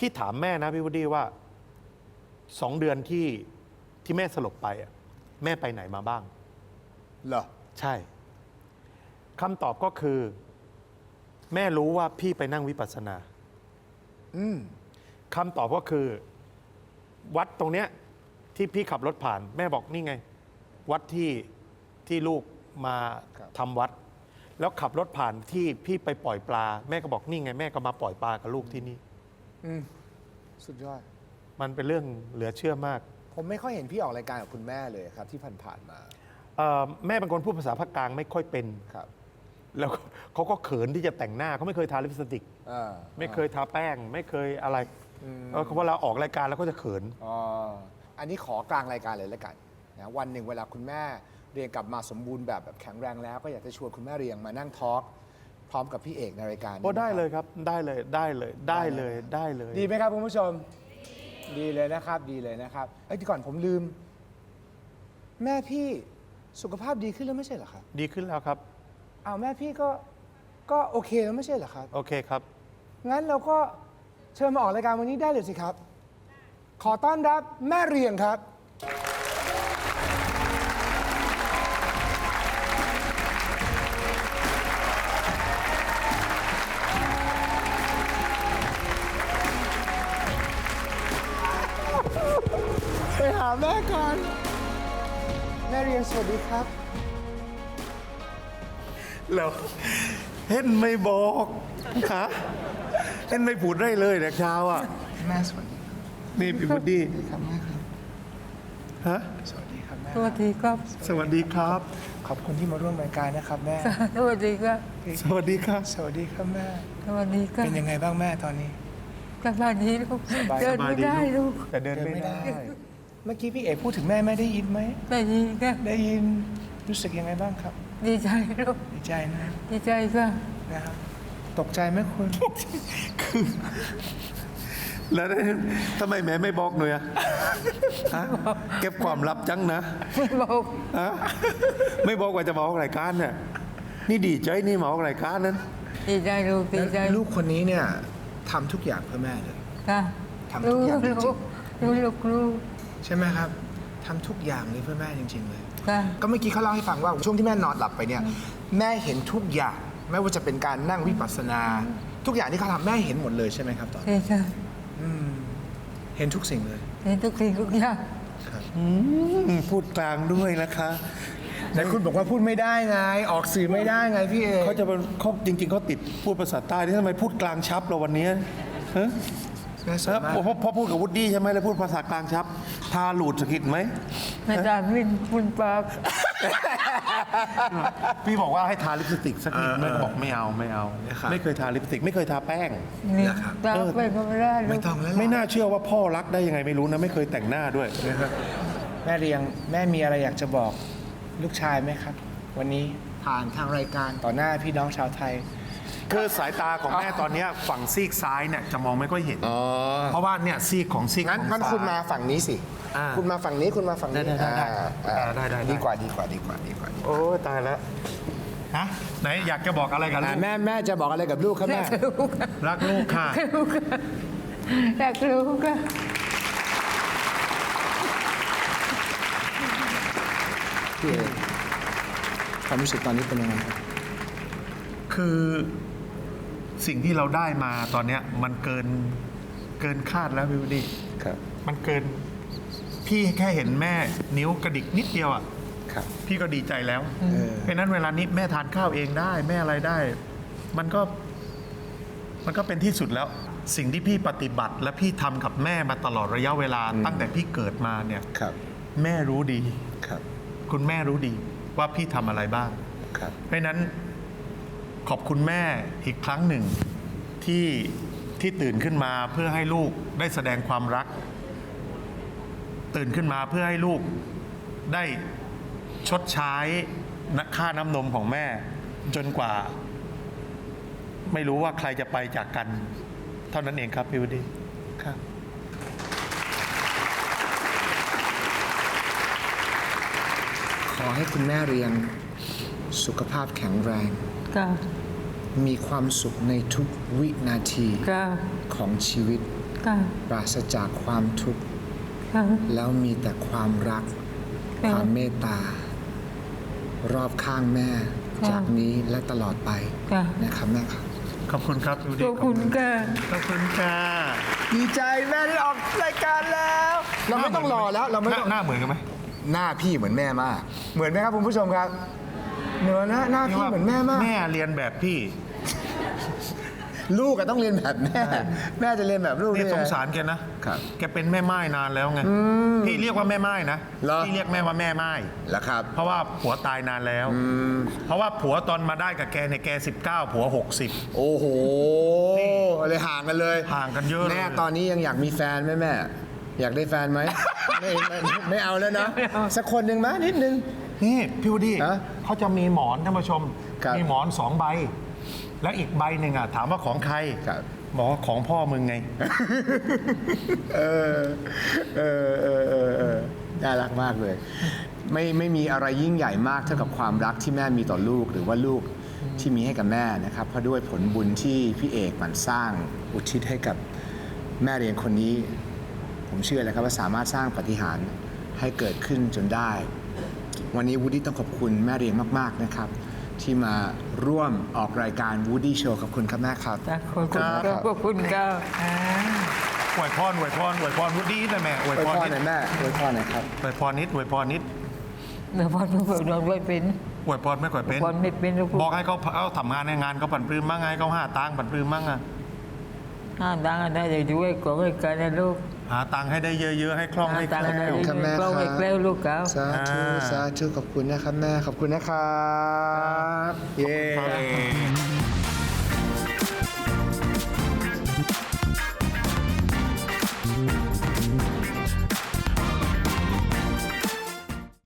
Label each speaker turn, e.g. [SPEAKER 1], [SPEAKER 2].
[SPEAKER 1] พี่ถามแม่นะพี่วุฒิว่า2 เดือนที่แม่สลบไปอะแม่ไปไหนมาบ้าง
[SPEAKER 2] เหรอ
[SPEAKER 1] ใช่คำตอบก็คือ แม่รู้ว่าพี่ไปนั่งวิปัสสนาคำตอบก็คือ วัดตรงเนี้ยที่พี่ขับรถผ่าน แม่บอกนี่ไง วัดที่ลูกมาทำวัด แล้วขับรถผ่านที่พี่ไปปล่อยปลา แม่ก็บอกนี่ไง แม่ก็มาปล่อยปลากับลูกที่นี่
[SPEAKER 2] สุดยอด
[SPEAKER 1] มันเป็นเรื่องเหลือเชื่อมาก
[SPEAKER 2] ผมไม่ค่อยเห็นพี่ออกรายการกับคุณแม่เลยครับ ที่ผ่านๆมา
[SPEAKER 1] แม่เป็นคนพูดภาษาภาคกลางไม่ค่อยเป็น
[SPEAKER 2] ครับ
[SPEAKER 1] แล้วเขาก็เขินที่จะแต่งหน้าเขาไม่เคยทาลิปสติก ไม่เคยทาแป้ง ไม่เคยอะไรเพราะเราออกรายการแล้วก็จะเขิน
[SPEAKER 2] อันนี้ขอกลางรายการเลยแล้วกันนะวันหนึ่งเวลาคุณแม่เรียงกลับมาสมบูรณ์แบบแข็งแรงแล้ว ก็อยากจะชวนคุณแม่เรียงมานั่งทอล์กพร้อมกับพี่เอกในรายการนี้
[SPEAKER 1] โอ้ได้
[SPEAKER 2] นะครับ
[SPEAKER 1] เลยครับได้เลยได้เลยได้เลยได้เลย
[SPEAKER 2] ดีไหมครับคุณผู้ชม ดีเลยนะครับ ดีเลยนะครับที่ก่อนผมลืม แม่พี่สุขภาพดีขึ้นแล้วไม่ใช่เหรอครับ
[SPEAKER 1] ดีขึ้นแล้วครับ
[SPEAKER 2] อ้าวแม่พี่ก็โอเคแล้วไม่ใช่เหรอครับ
[SPEAKER 1] โอเคครับ
[SPEAKER 2] งั้นเราก็เชิญมาออกรายการวันนี้ได้เลยสิครับ ขอต้อนรับแม่เรียงครับ ไปหาแม่ก่อน แม่เรียงสวัสดีครับ
[SPEAKER 1] แล้วเห็นไม่บอกฮะเห็นไม่พูดได้เลยแต่เช้าอ่ะ
[SPEAKER 2] แม่สวัสดี
[SPEAKER 1] นี่พี่บุดดี้
[SPEAKER 2] ครับแม่ครับ
[SPEAKER 1] ฮะ
[SPEAKER 2] สวัสดีครับแม่
[SPEAKER 3] สวัสดีครับ
[SPEAKER 1] สวัสดีครับ
[SPEAKER 2] ขอบคุณที่มาร่วมรายการนะครับแม่
[SPEAKER 3] สวัสดีครับ
[SPEAKER 1] สวัสดีครับ
[SPEAKER 2] สวัสดีครับแม่
[SPEAKER 3] สวัสดีครับ
[SPEAKER 2] เป็นยังไงบ้างแม่ตอนนี้
[SPEAKER 3] สบายดีลูก
[SPEAKER 2] สบาย
[SPEAKER 3] เดินไม่ได้ลูก
[SPEAKER 1] แต่เดินไม่ได้
[SPEAKER 2] เมื่อกี้พี่เอกพูดถึงแม่ได้ยินไหม
[SPEAKER 3] ได้ยินครับ
[SPEAKER 2] ได้ยิน รู้สึกยังไงบ้างครับ
[SPEAKER 3] ดีใจลูก
[SPEAKER 2] ดีใจนะ
[SPEAKER 3] ดีใจครับ
[SPEAKER 2] นะครับ ตกใจไหมคุณ
[SPEAKER 1] แล้วทำไมแม่ไม่บอกหน่อยอะฮะเก็บความลับจังนะ
[SPEAKER 3] ไม่บอก
[SPEAKER 1] ฮะไม่บอกว่าจะมาออกรายการเนี่ยนี่ดีใจนี่มาออกรายการนั้น
[SPEAKER 3] ดีใจลูกดีใจ
[SPEAKER 2] ลูกคนนี้เนี่ยทำทุกอย่างเพื่อแม่เลย
[SPEAKER 3] ค่ะ
[SPEAKER 2] ทำทุกอย่างจริง
[SPEAKER 3] ลูกลูก
[SPEAKER 2] ใช่ไหมครับทำทุกอย่างเลยเพื่อแม่จริง ๆ เลย
[SPEAKER 3] ค่ะ
[SPEAKER 2] ก็เมื่อกี้เขาเล่าให้ฟังว่าช่วงที่แม่นอนหลับไปเนี่ยแม่เห็นทุกอย่างไม่ว่าจะเป็นการนั่งวิปัสสนา ทุกอย่างที่เขาทำแม่เห็นหมดเลยใช่ไหมครับตอน
[SPEAKER 3] ดีใจ
[SPEAKER 2] เห็นทุกสิ่งเลย
[SPEAKER 3] เห็นทุกสิ่งทุกอย่าง
[SPEAKER 1] พูดกลางด้วยนะคะ
[SPEAKER 2] แต่คุณบอกว่าพูดไม่ได้ไง ออกสื่อไม่ได้ไงพี่เอก
[SPEAKER 1] เขาจะเป็นเขาจริง ๆเขาติดพูดภาษาใต้ที่ทำไมพูดกลางชับเราวันนี้ฮะ
[SPEAKER 2] แม่สวยมาก
[SPEAKER 1] พอพูดกับวุฒิใช่ไหมแล้วพูดภาษากลางชับทาหลุดสะกิดไหม
[SPEAKER 3] ไม่ได้มินบุญปาก
[SPEAKER 1] พี่บอกว่าให้ทาลิปสติกสักนิดแม่ก็บอกไม่เอาไม่เอา ไม่เคยทาลิปสติกไม่เคยทาแป้ง
[SPEAKER 3] นี่ตาไปก็ไม่ได้ลู
[SPEAKER 2] ไม่
[SPEAKER 3] ก
[SPEAKER 2] ต้องแล้ว
[SPEAKER 1] ไม่น่าเชื่อว่าพ่อรักได้ยังไงไม่รู้นะไม่เคยแต่งหน้าด้วย
[SPEAKER 2] แม่เรียงแม่มีอะไรอยากจะบอกลูกชายไหมครับ วันนี้ผ่านทางรายการต่อหน้าพี่น้องชาวไทย
[SPEAKER 1] คือสายตาของแม่ตอนเนี้ยฝั่งซีกซ้ายเนี่ยจะมองไม่ค่อยเห็นเพราะว่าเนี่ยซีกของซีก
[SPEAKER 2] งั้น
[SPEAKER 1] ของ
[SPEAKER 2] งั้น
[SPEAKER 1] ซ้ย
[SPEAKER 2] คุณมาฝั่งนี้สิ
[SPEAKER 1] อ่า
[SPEAKER 2] คุณมาฝั่งนี้คุณมาฝั่งนี้
[SPEAKER 1] ได้ได้ ได้
[SPEAKER 2] ดีกว่าดีกว่าดีกว่า
[SPEAKER 1] โอ้ยตายแล้วฮะไหนอยากจะบอกอะไรกับลูก
[SPEAKER 2] แม่จะบอกอะไรกับลูกครับแม่
[SPEAKER 3] ลูก
[SPEAKER 1] รักลูกค่ะ
[SPEAKER 3] ลูกอยากรู้ก็
[SPEAKER 2] พี่เอกความรู้สึกตอนนี้เป็นยังไงครับ
[SPEAKER 1] คือสิ่งที่เราได้มาตอนเนี้ยมันเกินคาดแล้วพี่วดี
[SPEAKER 2] ครับ
[SPEAKER 1] มันเกินพี่แค่เห็นแม่นิ้วกระดิกนิดเดียวอ่ะ
[SPEAKER 2] ครับ
[SPEAKER 1] พี่ก็ดีใจแล้วเพราะฉะนั้นเวลานี้แม่ทานข้าวเองได้แม่อะไรได้ มันก็เป็นที่สุดแล้ว สิ่งที่พี่ปฏิบัติและพี่ทำกับแม่มาตลอดระยะเวลาตั้งแต่พี่เกิดมาเนี่ย
[SPEAKER 2] ครับ
[SPEAKER 1] แม่รู้ดี
[SPEAKER 2] ครับ
[SPEAKER 1] คุณแม่รู้ดีว่าพี่ทำอะไรบ้าง
[SPEAKER 2] ครับ
[SPEAKER 1] เพราะฉะนั้นขอบคุณแม่อีกครั้งหนึ่งที่ตื่นขึ้นมาเพื่อให้ลูกได้แสดงความรัก ตื่นขึ้นมาเพื่อให้ลูกได้ชดใช้ค่าน้ำนมของแม่ จนกว่า ไม่รู้ว่าใครจะไปจากกัน เท่านั้นเองครับพี่วดีครับ
[SPEAKER 2] ขอให้คุณแม่เรียงสุขภาพแข็งแรง
[SPEAKER 3] ก็
[SPEAKER 2] มีความสุขในทุกวินาที
[SPEAKER 3] ก็
[SPEAKER 2] ของชีวิต
[SPEAKER 3] ค่ะ
[SPEAKER 2] ปราศจากความทุกข์
[SPEAKER 3] ค่ะ
[SPEAKER 2] แล้วมีแต่ความรัก
[SPEAKER 3] ค่ะ
[SPEAKER 2] ความเมตตา รอบข้างแม่
[SPEAKER 3] ค่ะ
[SPEAKER 2] จากนี้และตลอดไป
[SPEAKER 3] ค่ะ
[SPEAKER 2] นะครับแม่ครับ
[SPEAKER 1] ขอบคุณครับดู
[SPEAKER 3] ข
[SPEAKER 1] ดี
[SPEAKER 3] อบคุณค่ะ
[SPEAKER 1] ขอบคุณค่ะ
[SPEAKER 2] ดีใจแม่ได้ออกรายการแล้ว เราไม่ต้องรอแล้วเราไม่ต้อง
[SPEAKER 1] หน้าเหมือนกันไหม
[SPEAKER 2] หน้าพี่เหมือนแม่มาก เหมือนไหมครับคุณผู้ชมครับเหมือนนะหน้าพี่เหมือนแม่มาก
[SPEAKER 1] แม่เรียนแบบพี่
[SPEAKER 2] ลูกก็ต้องเรียนแบบแม่ แม่จะเรียนแบบลูก
[SPEAKER 1] นี่
[SPEAKER 2] ได้ไ
[SPEAKER 1] สงสารแกนะครับ แกเป็นแม่ไม้นานแล้วไงพี่เรียกว่าแม่ไม้นะ
[SPEAKER 2] เหรอ
[SPEAKER 1] พี่เรียกแม่ว่าแม่ไม้
[SPEAKER 2] แล้วครับ
[SPEAKER 1] เพราะว่าผัวตายนานแล้ว เพราะว่าผัวตอนมาได้กับแกเนี่ยแก 19 ผัว 60
[SPEAKER 2] โอ้โหเลยห่างกันเลย
[SPEAKER 1] ห่างกันเยอะเลย
[SPEAKER 2] แม่ตอนนี้ยังอยากมีแฟนไหมแม่ อยากได้แฟนไหม ไม่เอาแล้วนะสักคนหนึ่งไหมนิดนึง
[SPEAKER 1] นี่พี่วดดี้
[SPEAKER 2] ฮะ
[SPEAKER 1] เขาจะมีหมอนท่านผู้ชม
[SPEAKER 2] ครับ
[SPEAKER 1] มีหมอน2 ใบ แล้วอีกใบหนึ่งอ่ะถามว่าของใคร
[SPEAKER 2] ครับ
[SPEAKER 1] บอกว่าของพ่อมึงไง
[SPEAKER 2] เออน่ารักมากเลย ไม่มีอะไรยิ่งใหญ่มากเท่ากับความรักที่แม่มีต่อลูกหรือว่าลูกที่มีให้กับแม่นะครับ เพราะด้วยผลบุญที่พี่เอกหมันสร้างอุทิศให้กับแม่เลี้ยงคนนี้ ผมเชื่อเลยครับว่าสามารถสร้างปาฏิหาริย์ให้เกิดขึ้นจนได้ วันนี้วูดดี้ต้องขอบคุณแม่เลี้ยงมากๆนะครับ ที่มาร่วมออกรายการ Woody Show ขอบคุณครับแม่ครับ
[SPEAKER 3] ขอบคุณค่ะขอบคุณค่ะ
[SPEAKER 1] อวยพรอวยพรอวยพรวุฒินะแม่อวย
[SPEAKER 2] อวย
[SPEAKER 1] พ
[SPEAKER 2] พ
[SPEAKER 1] ร
[SPEAKER 2] ร
[SPEAKER 1] นิด
[SPEAKER 2] หน่อยแม่อวยพรหน่อยครับ
[SPEAKER 1] อวยพรนิดอวยพรนิด
[SPEAKER 3] เดี๋ยวพอทุกคนเราด้วยเป็น
[SPEAKER 1] อวยพรไม่ค่อยเป็น
[SPEAKER 3] พรไม่เป็นลูก
[SPEAKER 1] บอกให้เขาทำงานในงานเขาผันปลื้มมั่งไงเขาหาตังค์ผันปลื้มมั่งอะ
[SPEAKER 3] ห้ามดังได้เลยด้วยของรายการนะลูก
[SPEAKER 1] หาตังค์ให้ได้เยอะๆให้คล่องให้ค
[SPEAKER 3] ตัง
[SPEAKER 1] ล่อง
[SPEAKER 3] ค์ได้
[SPEAKER 2] ขอบคุณครับแม่
[SPEAKER 3] ก็
[SPEAKER 2] ครับ
[SPEAKER 3] ให้แกล้วลูกเขา
[SPEAKER 2] สาธุสาธุขอบคุณนะครับแม่ ขอบคุณนะครับ เย้